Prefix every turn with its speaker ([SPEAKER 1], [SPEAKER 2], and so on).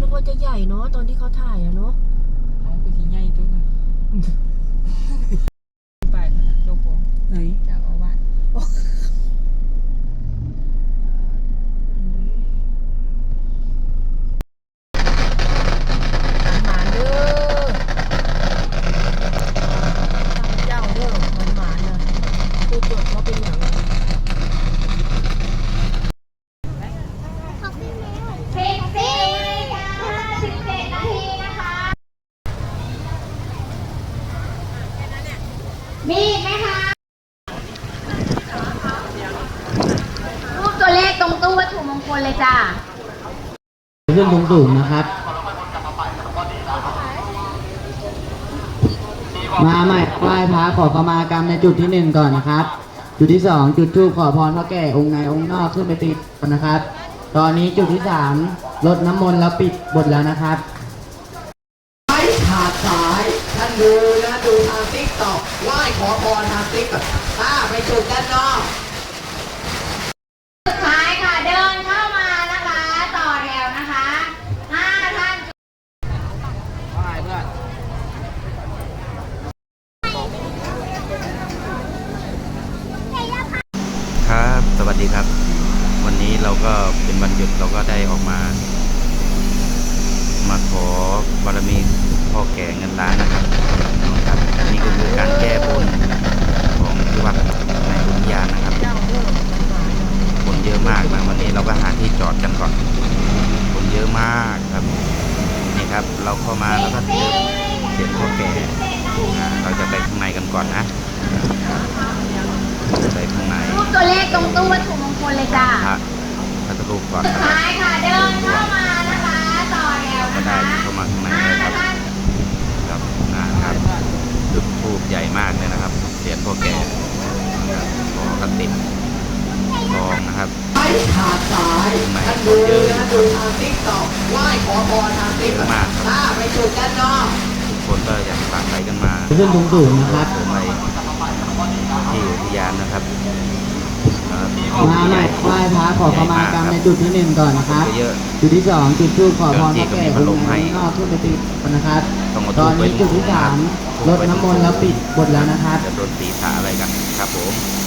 [SPEAKER 1] นึกว่าจะใหญ่เนาะตอนที่เขาถ่ายอะเนาะ
[SPEAKER 2] เอาไปที่ใหญ่ตัวน่ะไปเจ้าของ
[SPEAKER 1] ไหน
[SPEAKER 2] จะเอาว่า
[SPEAKER 1] หมาเด้อเจ้าเด้อหมาเนี่ยคือจดว่าเป็นอย่างไร
[SPEAKER 3] มีไหมคะรูปตัวเลขตรงตู้วัตถุมงคลเลยจ้า
[SPEAKER 4] ขึ้นสูงๆนะครับมาใหม่ไหว้พระขอขมากรรมในจุดที่1ก่อนนะครับจุดที่2จุดธูปขอพรพระแก่องค์ในองค์นอกขึ้นไปติดก่อนนะครับตอนนี้จุดที่3รดน้ำมนต์แล้วปิดบทแล้วนะครับไม่ขาดสายท่านดูนะดูทางติ๊กต็อกไหว้ขอพรทางติ๊กต็อกไปจุดด้านนอก
[SPEAKER 3] สุดท้ายค่ะเดินเข้ามานะคะต่อแถวนะคะ5 ท่าน
[SPEAKER 5] ครับ สวัสดีครับ วันนี้เราก็เป็นวันหยุดเราก็ได้ออกมาขอบารมีพ่อแก่เงินล้านนะครับนี่ก็คือการแก้บนของที่วัดในอุทยานนะครับคนเยอะมากนะวันนี้เราก็หาที่จอดกันก่อนคนเยอะมากครับนี่ครับเราเข้ามาแล้วก็เจอเสียงพ่อแก่เราจะไปข้างในกันก่อนนะไปข้างใน
[SPEAKER 3] รูปตัวเลขตรงตู้วัตถุมงคลเลยจ้า
[SPEAKER 5] พระรูปก่อน
[SPEAKER 3] สุดท้ายค่ะเดินเข้ามานะคะต่อแถว
[SPEAKER 5] ก็ได้เข้ามาข้างในเลยครับครับจุดธูปใหญ่มากเลยนะครับเสียงพ่อแก่ขอกระติดทองนะครับ
[SPEAKER 4] ไม่ขาดสายท่านดูนะดูทางติ๊กต็อกไหว้ขอพรทางติ๊กต็อกไปจุดด้านนอก
[SPEAKER 5] ทุกคนก็อยากฝากไปกันมา
[SPEAKER 4] ขึ้นสูงๆนะครับ
[SPEAKER 5] ไปที่อุทยานนะครับ
[SPEAKER 4] มาใหม่ไหว้พระขอขมากรรมในจุดที่1ก่อนนะครับจุดที่2จุดธูปขอพรพระแก่องค์ในนอกขึ้นไปติดนะครับตอนนี้จุดที่3รดน้ำมนต์แล้วปิดบทแล้วนะครับ
[SPEAKER 5] จะโดนตีสาอะไรกันครับผม